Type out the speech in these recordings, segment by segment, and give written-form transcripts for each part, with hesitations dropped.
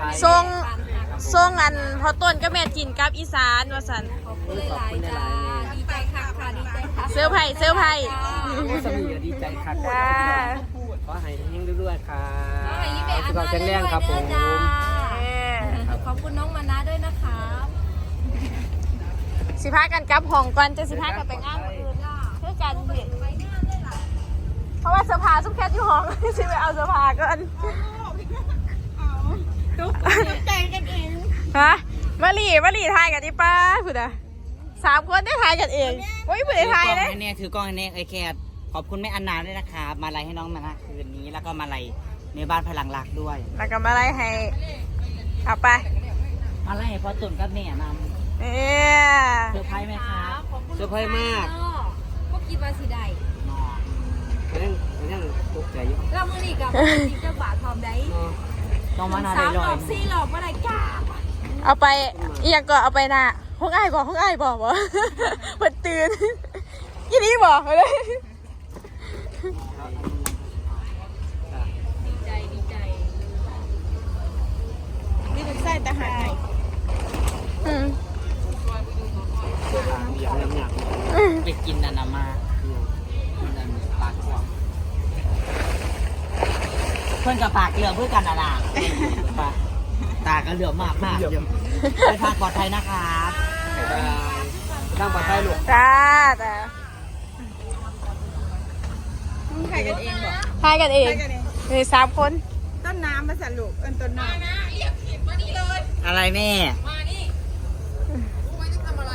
ทรงอันพอต้นก็แม่จินกับอีสานว่าสันขอบคุณหลายๆจ้าดีใจค่ะดีใจค่ะเสื้อไผ่สมีดีใจครับขอให้ยิ่งด้วยค่ะสุขภาพแข็งแรงครับผมขอบคุณน้องมานะด้วยนะคะสิพากันกลับห้องก่อนจะสิพากันไปงานอื่นเพื่อกันเพราะว่าเสื้อผ้าซุปแคทอยู่ห้องสิไปเอาเสื้อผ้าก่อนแต่งกันเองฮะมาหลีถ่ายกันดิป้าพูดอ่ะ3 คนได้ถ่ายกันเองโอ้ยผู้ใดถ่ายเลยถือกล้องให้แน่ไอแคทขอบคุณแม่อันนาด้วยนะคะมาลัยให้น้องมานะคืนนี้แล้วก็มาลัยในบ้านพลังรักด้วยแล้วก็มาไล่ให้เอาไปมาลัยให้พ่อตุ่นกับแม่นำเซอร์ไพรส์ไหมครับเซอร์ไพรส์มากก็คิดว่าสิได้ยังตกใจอยู่เรามือนี่กับเจ้าบ่าวทอมได้ต้องมานาได้ 3 หลอก4 หลอกเมื่อไรจ้าเอาไปเอียงก็เอาไปน่ะห้องอ้ายบอกบ่เปิดตื่นยี่นี้บอกเลยดีใจนี่เป็นไส้แต่หายไปกินนันมากินนันปากกว้างเพื่อนกับปากเหลือเพื่อกันนะตาก็เหลือมากไปทางปลอดภัยนะคะทางปลอดภัยลูกจ้าถ่ายกันเองบอกถ่ายกันเองมี3 คนต้นน้ำมาสั่นลูกต้นน้ำเรียกผิดมานี่เลยอะไรแม่มานี่รู้ไหมจะทำอะไร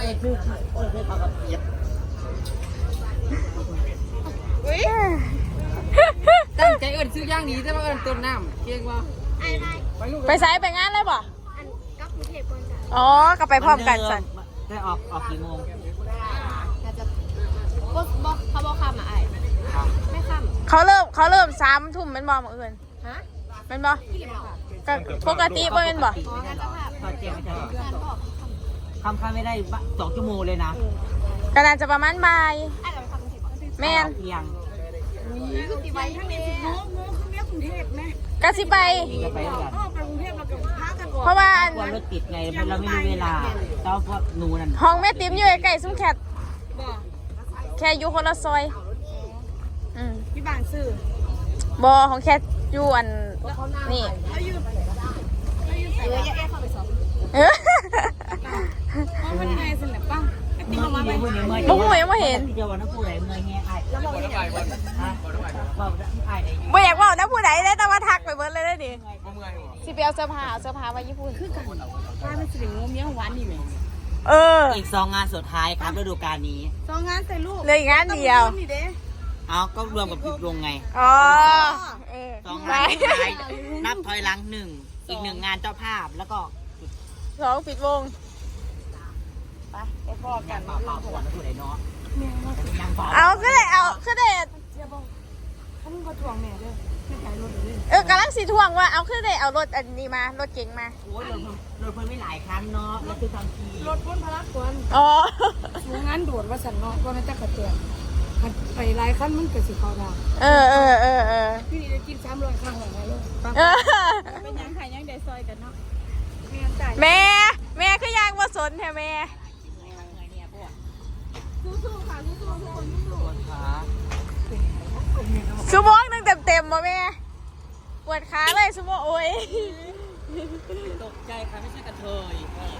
ตั้งใจเอิญซื้อย่างนี้จะมาเอิญต้นน้ำเก่งวะไปไซไปงานเลยบ่อ๋อก็ไปพร้อมกันสันได้ออกกี่โมงเขาบอกคำอะไรไม่คำเขาเริ่ม3 ทุ่มเป็นบ่มื้ออื่นฮะเป็นบ่ก็ปกติบ่เป็นบ่คำไม่ได้2 ชั่วโมงเลยนะก็น่าจะประมาณบ่ายแม่นก็สิไปเพราะว่าเราติดไงเราไม่มีเวลาเจ้าพวกหนูนั่นห้องแม่ติ๋มอยู่ใกล้ๆซุ้มแคทแค่อยู่คนละซอยที่บางซื่อบอของแคทอยู่อันนี่มันไงสิเนี่ยป้าบุ้งหวยมาเห็นเดี๋ยววันนั้นผู้ใดเมื่อยแง่ไอ้แล้วบอกได้บ่อยากว่านะผู้ใดได้แต่ว่าทักไปเบิร์ดเลยได้ดิสิไปเอาเสื้อผ้ามาญี่ปุ่นคือกันป้ามันสิงงเมี้ยหวานนี่ไหมอีก2 งานสุดท้ายครับฤดูกาลนี้ 2 งานใส่ลูกเลยงานเดียวเอาก็รวมกับปิดวงไงอ๋อ 2 งานสุดท้ายนับถอยหลัง1อีก1 งานเจ้าภาพแล้วก็ 2 ปิดวงไปพ่อกันเปล่าๆก่อนผู้ใดเนาะเอาก็ได้เขามึงก็ทวงแม่ด้วยไม่ขายรถเลยกำลังสีทวงว่าเอาขึ้นได้เอารถอันนี้มารถเก๋งมาโอ้ยรถเพิ่นไม่หลายครั้งเนาะแล้วคือทำทีรถพ้นพลักควรงานด่วนว่าสันเนาะก็น่าจะกระเตือนไปหลายขั้นมันเกิดสิเขาได้พี่นี่จะกิน300 ครั้งเลยลูกเป็นยังไงยังได้ซอยกันเนาะแม่ก็ยังมาสนแท้แม่สู้ๆค่ะสู้ๆทุกคนสู้ๆชั่วโมงนึงเต็มบ่แม่ปวดขาเลยชั่วโมงโอ้ยตกใจค่ะไม่ใช่กระเทย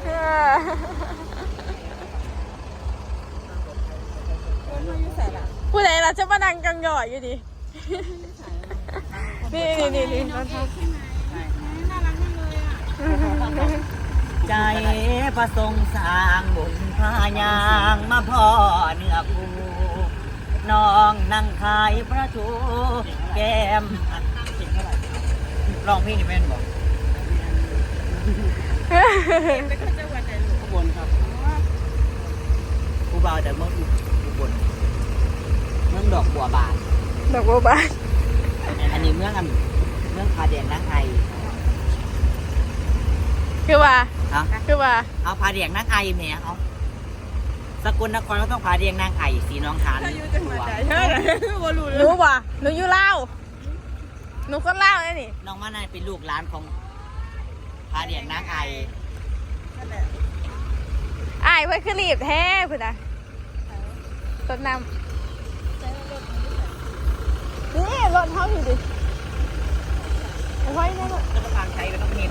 ผู้ใดเราจะมานั่งกังหย่อยอยู่ดินี่น่ารักมากเลยอ่ะใจประสงค์สร้างบุญพายางมาพ่อเนื้อคูน้องนั่งขายพระชูแก้มร้องเพลงนี่แม่นบอกอุบลครับผู้บ่าวแต่เมืองอุบลเมืองดอกบัวบานอันนี้เมืองผาแดงนางไอคือว่าเอาผาแดงนางไอแหมเอาสกลนครก็ต้องผาแดงนางไอสีน้องคานรู้ป่ะหนูอยู่ลาวหนูคนลาวเลยนี่น้องมานายเป็นลูกหลานของพาเดียนนางไออ้ายเพิ่นคือรีบแท้พุ่นน่ะต้นน้ำนี่รถเฮาอยู่ดิเอาไว้แน่ลูกรัฐบาลไทยก็ต้องมี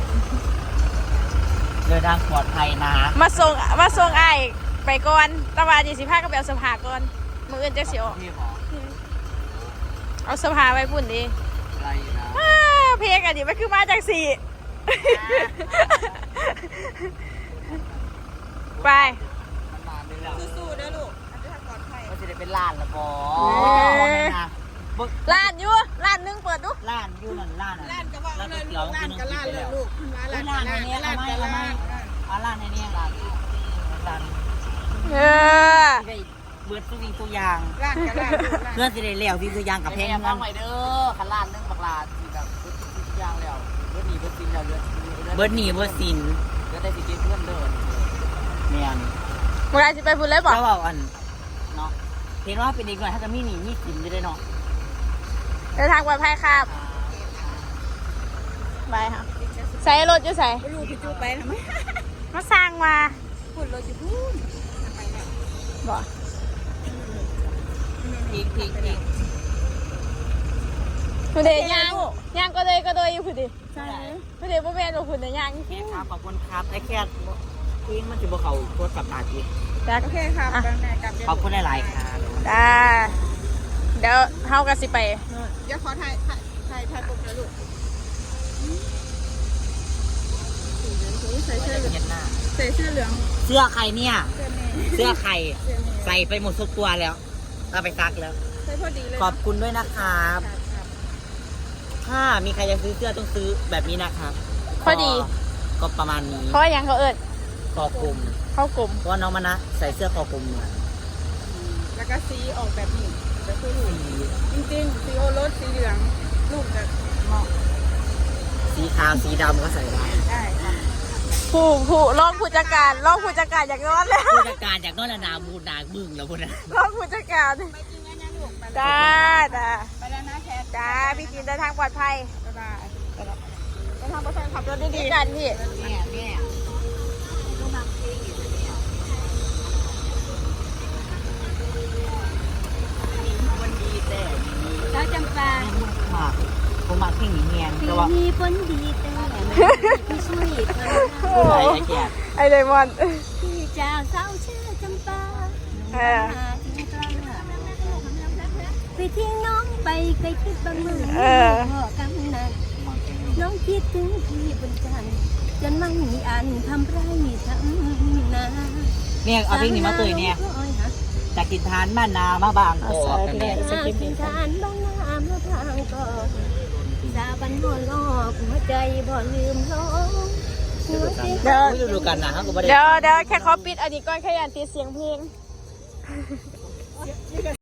เดินทางปลอดภัยนะมาส่งอ้ายไปก่อนแตะวัน25ก็ไปเอาเสื้อผ้าก่อนมื้ออื่นจักสิออกพี่หมอเอาเสื้อผ้าไว้พุ่นดิอะไรนะเพลงอันนี้มันคือมาจากสี่ ไปสู้ๆนะลูกอันนี้ทางปลอดภัยก็จะได้เป็นล้านละบอนะร้านอยู่ร้านหนึงเปิดดูล้านอยู่นั่นล้านร้านก็ว่าร้านเลยเตี๋ยวร้านก็ร้านเลยลูกร้านในนี้ร้านในนี้ร้านในนี้ร้านเออได้เบิดทุกสิ่งทุกอย่างร้านก็ร้านเพื่อนสิได้เลี้ยวสิ่งทุกอย่างกับเพลงนั้นใหม่เด้อขันลานนึงบักลาที่แบบทุกอย่างแล้วเบิร์ดหนีเบิร์ดซินแล้วเบิร์ดเบิดหนีเบิดสินเบิร์ดได้สิเกเพื่อนเดินเมียนเมื่อไรจะไปพุ่นเลยบอกแล้วเอาอันเนาะเห็นว่าเป็นอีกหน่อยถ้าจะมีหนีมีสินจะได้เนาะเดินทางปลอดภัยครับไปค่ะใส่รถอยู่ใส่ลูกพี่จูไปทำไมมาสร้างมาพูดรถอยู่พูดบอกอีกคุณเดย่างก็เลยอยู่คุณดิใช่คุณเดบ่แม่นว่าคุณเดย่างแค่ครับขอบคุณครับไอ้แค่ทิ้งมันจะบอกเขาโคตรสับตาอีกจ้ะโอเคครับแม่กลับขอบคุณหลายๆครับจ้าเดี๋ยวเฮากันสิไปเดี๋ยวขอถ่ายปุ๊บนะลูกใส่เสื้อเหลืองเย็นหน้าใส่เสื้อเหลืองเสื้อใครเนี่ยเสื้อแม่เสื้อใครเสื้อแม่ใส่ไปหมดทุกตัวแล้วเอาไปซักแล้วใส่พอดีเลยขอบคุณด้วยนะครับ ถ้ามีใครจะซื้อเสื้อต้องซื้อแบบนี้นะครับพอดีก็ประมาณนี้เพราะอย่างเขาเอิดคอกลมเข้ากลุ่มเพราะว่าน้องมานะใส่เสื้อคอกลมเหมือนแล้วก็สีออกแบบนี้จะคือลูกจริงๆสีโอรสสีเหลืองลูกจะเหมาะสีขาวสีดำก็ใส่ได้ได้ครับผู้รองผู้จัดการอยากนอนแล้วผู้จัดการจากนอนนาบูนาบึ้งแล้วพวกนั้นรองผู้จัดการไปจริงนะลูกจ้าจ้าไปแล้วนะแคทจ้าพี่จินเดินทางปลอดภัยบ๊ายบายเดินทางปลอดภัยขับรถดีๆกันพี่เนี่ยวันดีแต่สาวจำปาหมากผมหมากที่หนีเงียนปีแต่ว่านี้ฝนดีแต่ไม่ช่วยเธอผู้ใดไอ้แก่ไอเลมอนพี่จากสาวชื่อจำปาเออหาที่กลางไปทิ้งน้องไปไกลคิดบางมือพ่อกำนัดน้องคิดถึงพี่บนจันทร์จนไม่มีอันทำไรทำนาเนี่ยเอาเพลงนี้มาเตยเนี่ยจากกินทานบ้านนามาบางกอกกันเนี่ยกินทานบ้างน้ำแล้วทางก็ดาบันหัวลอกหัวใจบ่ลืมลงหัวใจดูกันนะฮะก็ไม่ได้เดี๋ยวแค่ขอปิดอันนี้ก่อนแค่อยากติดเสียงเพลง